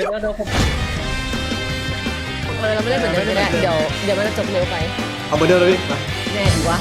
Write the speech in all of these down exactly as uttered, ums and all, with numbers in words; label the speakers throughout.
Speaker 1: ดี๋ยวเดี๋ยวผม
Speaker 2: เออเราไม่ได้เหมือนเดิมไม่ได้เดี๋ยวเดี๋ยวมันจะจบเร็วไป
Speaker 3: เอาเหมือนเดิมเลยพี่มา
Speaker 2: แน่ดีวะ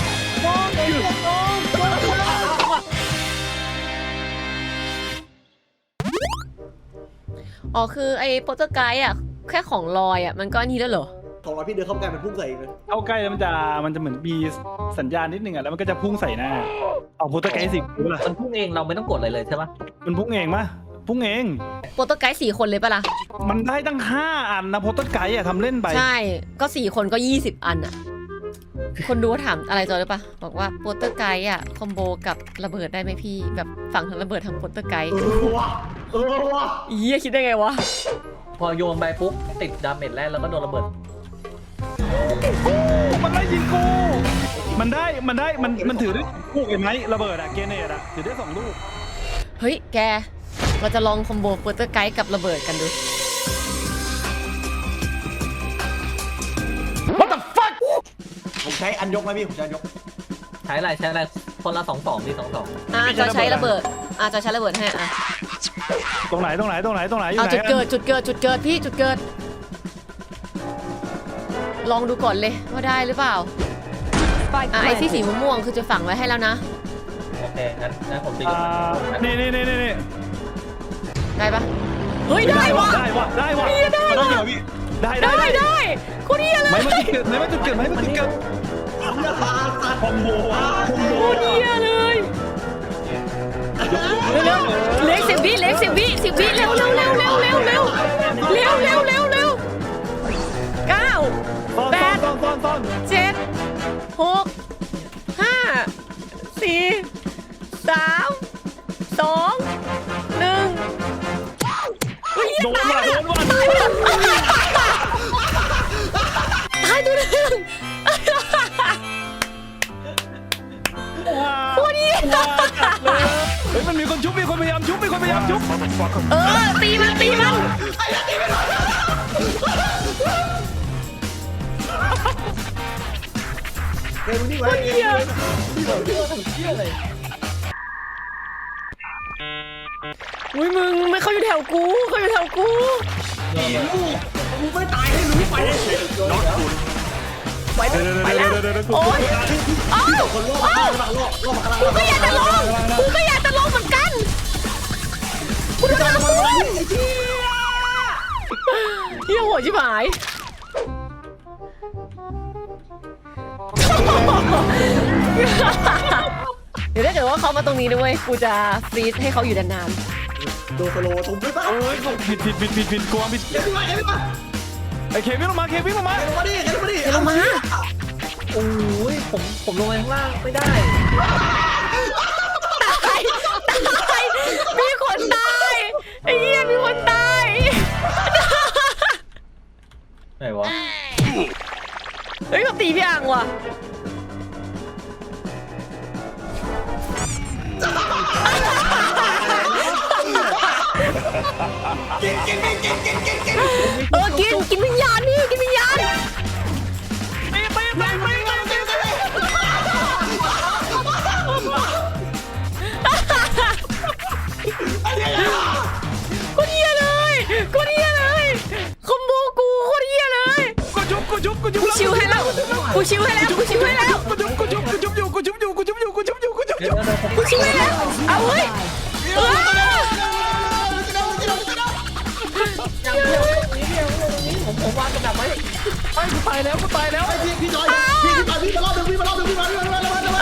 Speaker 2: อ๋อคือไอ้โปรโตไกด์อ่ะแค่ของลอยอ่ะมันก็อันนี้แล้วเหรอ
Speaker 3: ของเราพี่เดินเข้าใกล้มันพุ่งใส่เองเลย
Speaker 4: เข้าใกล้แล้วมันจะมันจะเหมือนมีสัญญาณนิดนึงอ่ะแล้วมันก็จะพุ่งใส่หน้าเอาโปรโตไกด์สิรู้ป่ะ
Speaker 1: มันพุ่งเองเราไม่ต้องกดอะไรเลยใช่ปะ
Speaker 4: มันพุ่งเองมะพุ่งเอง
Speaker 2: โปรโตไกด์สี่คนเลยปะล่ะ
Speaker 4: มันได้ตั้งห้าอันนะโปรโตไกด์อ่ะทำเล่นไป
Speaker 2: ใช่ก็สี่คนก็ยี่สิบอันอ่ะคนดูถามอะไรจอยหรือปะบอกว่าโปรโตไกด์อ่ะคอมโบกับระเบิดได้ไหมพี่แบบฝั่งทั้งระเบิดทั้งโปรโตไกด์
Speaker 3: เออว่ะเออว่ะ
Speaker 2: เยี่ยคิดได้ไงวะ
Speaker 1: พอโยนไปปุ๊บติดดาเมจแรกแล้วก็โดนระเบิด
Speaker 4: มันไล่ยิงกูมันได้มันได้มันมันถือได้ลูกเห็นไหมระเบิดอะเกเนตอะถือได้สองลูก
Speaker 2: เฮ้ยแกเราจะลองคอมโบโปรโตไกด์กับระเบิดกันดู
Speaker 4: What the fuck
Speaker 3: ผมใช้อันยกไหมพี่ผมใช้อันยก
Speaker 1: ใช้อะไรใช้อะไรคนละสองสองดีสองสอง
Speaker 2: อ่ะจะใช้ระเบิดอ่ะจะใช้ระเบิดให้อ่ะ
Speaker 4: ตรงไหนตรงไหนตรงไหนตรงไหนอยู่
Speaker 2: เอา
Speaker 4: ไหน
Speaker 2: จุดเกิดจุดเกิดจุดเกิดพี่จุดเกิด ลองดูก่อนเลยว่าได้หรือเปล่าอ่ะไอ้ที่สีม่วงๆคือจะฝังไว้ให้แล้วนะ
Speaker 1: โอเคงั้นงั้นผมจะโย
Speaker 4: อ่าน นี่นี่นี่นี่นี่
Speaker 2: ได้ปะเฮ้ยได้วะ
Speaker 4: ได้วะได้วะ
Speaker 2: ได้
Speaker 4: ได้
Speaker 2: วะ
Speaker 4: เหรอพี่ได้ได้
Speaker 2: ได้ได้โคนเดียเล
Speaker 4: ไม่
Speaker 2: ย
Speaker 4: มันจุดเกิดไม่มันจุดเกิดไม่มันจุดเกิดคอมโบคอมโบ
Speaker 2: โคเดียเลยเร็วๆเล็กสิบวิเล็กสิบวิสิบวิเร็วเร็วเร็วเร็วเร็วเร็วเร็วเร็วเร็วเร็วเก้า แปด
Speaker 4: ซ่อนซ่อนซ่อน
Speaker 2: เจ็ดหกห้าสี่สามสองหนึ่ง
Speaker 4: โดนว่ะโดนว่ะ
Speaker 2: ตายตัวหนึ่ง
Speaker 4: โคตรดีจัดเลยเฮ้ยมันมีคนชุบมีคนพยายามชุบมีคนพยายามชุบ
Speaker 2: เออตีมันตีมัน
Speaker 3: เฮ้ยมึงนี่ไว้เฮ้ย
Speaker 2: อุ้ยมึงไม่เข้าอยู่แถวกูเข้าอยู่แถวกู
Speaker 3: กูไม่ตายให้รู้ไปเลย
Speaker 2: ไปแล้วไปแล้วโอ๊ยอ้าว
Speaker 3: คนโลก
Speaker 2: อ้าว
Speaker 3: มาโลกโลกมา
Speaker 2: กูก็อยากจะลงกูก็อยากจะลงเหมือนกันกูโดนน้ำท่วมเฮียโหดชิบหายเดี๋ยวถ้าเกิดว่าเขามาตรงนี้ด้วยกูจะฟรีซให้เขาอยู่นาน
Speaker 3: โดนสโลว์ตรงไม่ตาย
Speaker 4: เอ้ยผิดผิดผิดผิดผิดกลัวผิด
Speaker 3: เฮ้ยมาเฮ้ยมา
Speaker 4: ไอ้เควินลงมาเควินลงมา
Speaker 3: เฮ้ยมาดิเฮ้ยมาดิ
Speaker 2: ๆเดี๋ยวลงมา
Speaker 1: โอ้ยผมผมลงไปข้างล่างไม่ได้
Speaker 2: ตายตายมีคนตายไอ้เหี้ยมีคนตาย
Speaker 1: ไหนวะ
Speaker 2: เฮ้ยเขาตีพี่อ่างว่ะเออกินกินวิญญาณนี่กินวิญญาณ
Speaker 4: ไปไปไปไปไป
Speaker 2: กูเหี้ยเลยกูเหี้ยเลยคอมโบกูโคตรเหี้ยเลย
Speaker 4: กูจุบกูจุบกูจุบ
Speaker 2: กูชิวให้แล้วกูชิวให้แล้วกูชิวให้แล้ว
Speaker 4: กูจุบกูจุบกูจุบอยู่กูจุบอยู่กูจุบอยู่กูจุบอยู่กูจุบอ
Speaker 1: เดี๋ย
Speaker 4: ยู่
Speaker 1: วเดี๋ยวผม
Speaker 2: กูชิวให้แล้วเอาเว้ยเออ
Speaker 1: ยังเดียวนี้เดียวนี้ผมผมวางกระดับไว้
Speaker 4: ไอ้กูตายแล้วกูตายแล้ว
Speaker 3: พี่พี่จอยพี่พี่จอยพี่มารอบนึงพี่มารอบนึงพี่มารอบนึงพี่มารอบนึง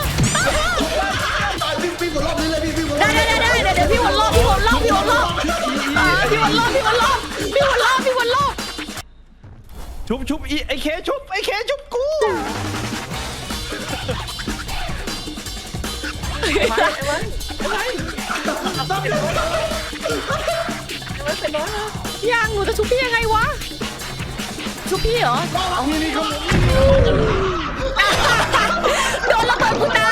Speaker 3: พี่พี่กดรอบนี้เลยพี่พี่กดรอบ
Speaker 2: ได้ได้ได้ได้เดี๋ยวพี่วนรอบพี่วนรอบพี่วนรอบอ่าพี่วนรอบพี่วนรอบพี่วนรอบพี่วนรอบ
Speaker 4: ชุบชุบอีไอ้เคชุบไอ้เคชุบกู
Speaker 2: ยังหนูจะชุบพี่ยังไงวะชุบพี่เหรอ
Speaker 4: นี่นี่เขา
Speaker 2: โดนระเบิดกูตาย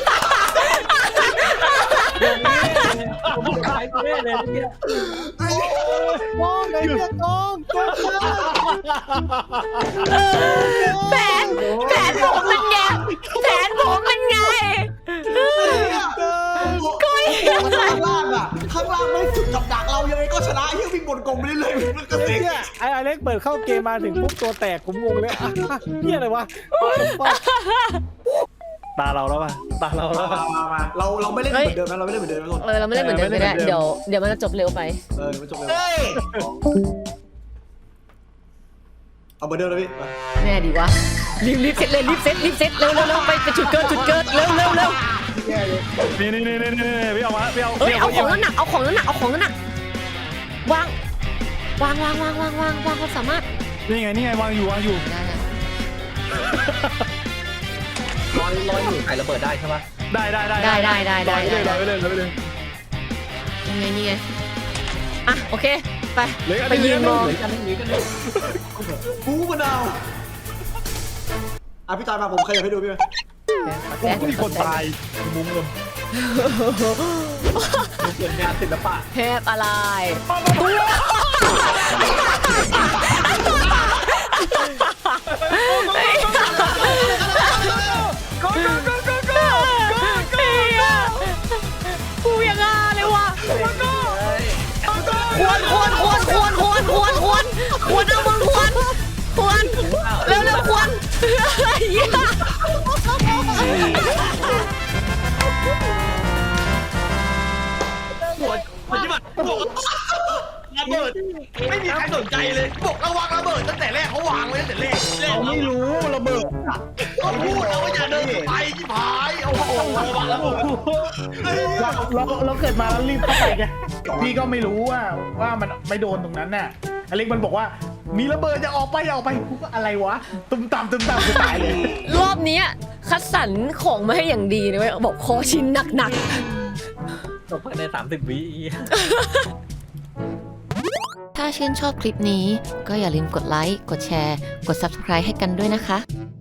Speaker 1: ผมขายกูแน่เลยเมื่อกี้
Speaker 3: มองไหนเพื่อนน้อง
Speaker 2: แผนแผนผมเป็นไงแผนผมเป็นไงก็
Speaker 3: ข้างล่างอ่ะข้างล่างไม่จุดกับดักเรายังไงก็ชนะเฮียวิ่งบนกลมไปเรื่อยๆมันก็
Speaker 5: ไอ้
Speaker 3: เซ็ง
Speaker 5: เนี่ยไอ้อเล็กเปิดเข้าเกมมาถึงปุ๊บตัวแตกผมงงเลยอ่ะเฮียอะไรวะ
Speaker 4: ตาเราแล้วป่ะตาเราแล้ว
Speaker 3: มา
Speaker 4: ป่ะ
Speaker 3: มามาเราเราไม่เล่นเหมือนเดิมนะเราไม่เล่นเหมือนเดิมนะทุกคน
Speaker 2: เออเราไม่เล่นเหมือนเดิมไม่ได้เดี๋ยวเดี๋ยวมันจะจบเร็วไป
Speaker 3: เออมันจบเลยเอาเหมือนเดิมเลยพี่
Speaker 2: แน่ดีวะรีบรีบเซ็ตเลยรีบเซ็ตรีบเซ็ตเร็วเร็วเร็วไปไปจุดเกิดจุดเกิดเร็วเร็วเร็ว
Speaker 4: นี่นี่นี่นี่นี่พี่เอามาพี่เอา
Speaker 2: เอ้ย
Speaker 4: พี่
Speaker 2: เอาของนั้นหนักเอาของนั้นหนักเอาของนั้นหนักวางวางวางวางวางวางวางความสามารถ
Speaker 4: นี่ไงนี่ไงวางอยู่วางอยู่
Speaker 2: ได้
Speaker 1: ลอยลอยอยู่ใส่ระเบิดได้ใช่ปะ
Speaker 4: ได้ได้ได้
Speaker 2: ได้ได้ได้ได้
Speaker 4: ได้
Speaker 2: ได้
Speaker 4: ได้ไปเลยไปเลย
Speaker 2: ยังไงนี่ไงอ่ะโอเคไป
Speaker 4: เหลืออัน
Speaker 2: ไป
Speaker 4: นี้
Speaker 2: ยืนมอง
Speaker 1: เหมือนกันไม่หนีกันเลย
Speaker 3: ฟูมะนาวอ่ะพี่จอยมาผมขยับให้ดูพี่
Speaker 4: โอ้มีคนตายมุ้งเลย
Speaker 1: เกิดงานศิลปะ
Speaker 2: เทพอะไรกูยังไงเลยวะควรควรควรควรควรควรควรควรเอามึงควรควรเร็วเร็วควรเหี้ย
Speaker 3: ปฏิบัติบอกระเบิดไม่มีใครสนใจเลยบอกระวังระเบิดตั้งแต่แรกเขาวางไว้ตั้งแต่แรก
Speaker 5: เขาไม่รู้ระเบิด
Speaker 3: ก็พูดแล้วว่าอย่าเดินไปที่พายโอ้โหระวังระเบิด
Speaker 5: เราเราเราเกิดมาแล้วรีบเข้าไปไงพี่ก็ไม่รู้ว่าว่ามันไม่โดนตรงนั้นน่ะอเล็กมันบอกว่ามีระเบิดจะออกไปอย่าออกไปกูก็อะไรวะตุ้มตามตุ้มตามกูตายเลย
Speaker 2: รอบนี้คัดสรรของมาให้อย่างดีเลยเว้ยบอกคอชิ้นหนัก
Speaker 1: จบภายในสามสิบวิ
Speaker 2: ๆถ้าชื่นชอบคลิปนี้ก็อย่าลืมกดไลค์ กดแชร์ กด ซับสไครบ์ ให้กันด้วยนะคะ